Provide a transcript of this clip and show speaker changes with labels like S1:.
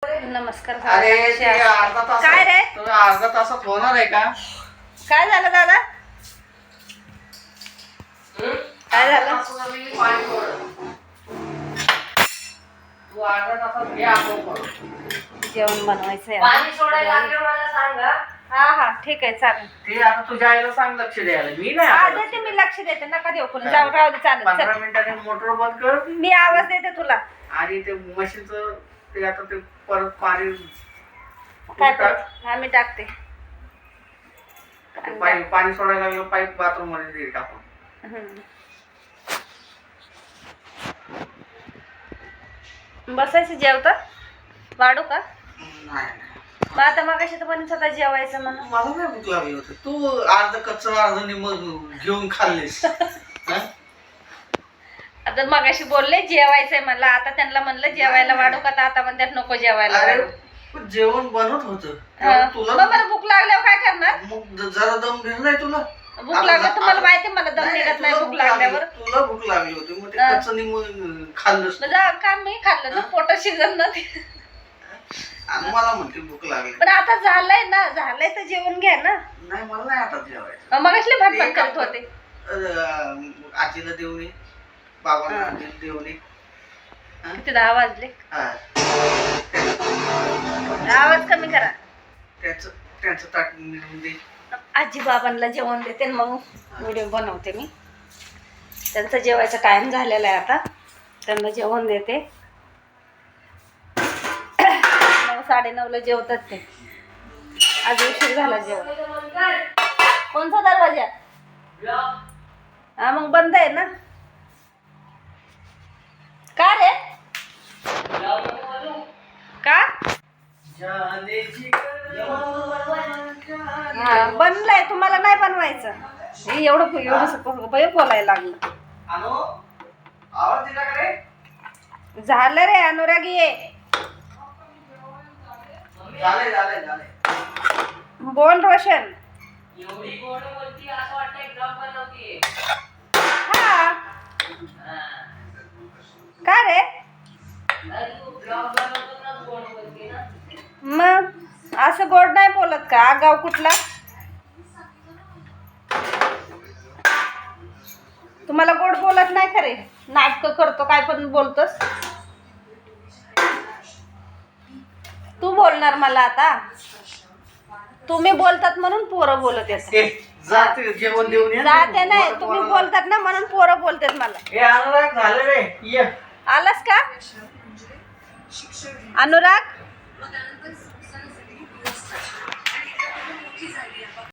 S1: नमस्कार.
S2: अरे ते अर्धा तास
S1: काय रे?
S2: तुम्ही अर्धा तासात होणार आहे का?
S1: काय झालं दादा? काय झालं?
S2: अर्धा तासात मी पाणी सोडलं. तू अर्धा तासात घे आपण
S1: जेवण बनवायचंय.
S3: पाणी सोडायला लागलं मला सांगा.
S1: हा हा ठीक आहे चालेल.
S2: ते आता तुझ्या आईला सांग लक्ष द्यायला. मी नाही
S1: हा
S2: आता
S1: देते मी लक्ष देते. नका देऊ कोणी. जाऊ राहू दे चालेल.
S2: 15
S1: चल.
S2: मिनिटांनी मोटर बंद कर
S1: मी आवाज देते तुला.
S2: आणि ते मशीनचं ते आता ते परत पाणी
S1: काय
S2: टाक.
S1: हा मी टाकते.
S2: ते पाणी सोडायला लागलं पाईप बाथरूम मध्ये दे टाकून.
S1: बसायचं जेवता वाढू का?
S2: नाही
S1: मग आता मग कशी तर पण स्वतः जेवायचं म्हणून.
S2: मला नाही भूक लागली होती. तू अर्ध कच्चं अर्ध निम्म घेऊन खाल्लेस. हा?
S1: आता मगाशी बोलले जेवायचंय म्हणलं. आता त्यांना म्हणलं जेवायला वाढू का? तर आता म्हणतात नको जेवायला
S2: अरे
S1: वाढू.
S2: पण जेवण बनत होतं
S1: हा.
S2: तुला
S1: मग मला भूक लागल्यावर काय करणार?
S2: मग जरा दम घेत नाही तुला.
S1: भूक लागल्यावर तुम्हाला माहिती मला दम निघत नाही भूक लागल्यावर.
S2: तुला भूक लागली होती मग ते
S1: हा.
S2: कच्चं निम्म खाल्लंस तू.
S1: म्हणजे का मी खाल्लं ना पोटात शिजत ना ते.
S2: आणि मला म्हणते भूक लागली.
S1: पण आता झालंय ना झालंय तर जेवण घ्या ना.
S2: नाही मला नाही आता जेवायचं.
S1: मग असले भटभट करत होते.
S2: आजीला देऊन ये बाबांना देऊन ये.
S1: किती 10 वाजले.
S2: हा.
S1: आवाज कमी करा.
S2: त्यांचं ताट नेऊन दे.
S1: आजी बाबांना जेवण देते आणि मग व्हिडिओ बनवते मी. त्यांचा जेवायचा टाइम झालेला आहे आता. त्यांना जेवण देते. 9-9:30ला जेवतात ते. आज उशीर झाला जेवण. कोणता दरवाजा? हा मग बंद आहे ना. का रे? का? हा बनलंय. तुम्हाला नाही बनवायचं. हे एवढं बोलायला लागलं.
S2: आवाज दिला का रे?
S1: झालं रे अनुरागी ये.
S2: झाले
S1: बोल रोशन.
S3: एवढी गोड बोलती असं वाटतं एकदम बनवतीये.
S1: हा का रे?
S3: नाही तू ब्लॉग बनवतो ना गोड बोलती ना.
S1: मग असं गोड नाही बोलत का? गाव कुठला? तुम्हाला गोड बोलत नाही खरे. नाटक करतो काय पण बोलतोस. तू बोलणार मला आता. तुम्ही बोलतात म्हणून पोरं बोलत येतात.
S2: जाते जेवण देऊन ये.
S1: जाते नाही तुम्ही बोलतात ना म्हणून पोरं बोलतात मला.
S2: हे अनुराग झालं रे. ये
S1: आलास का अनुराग?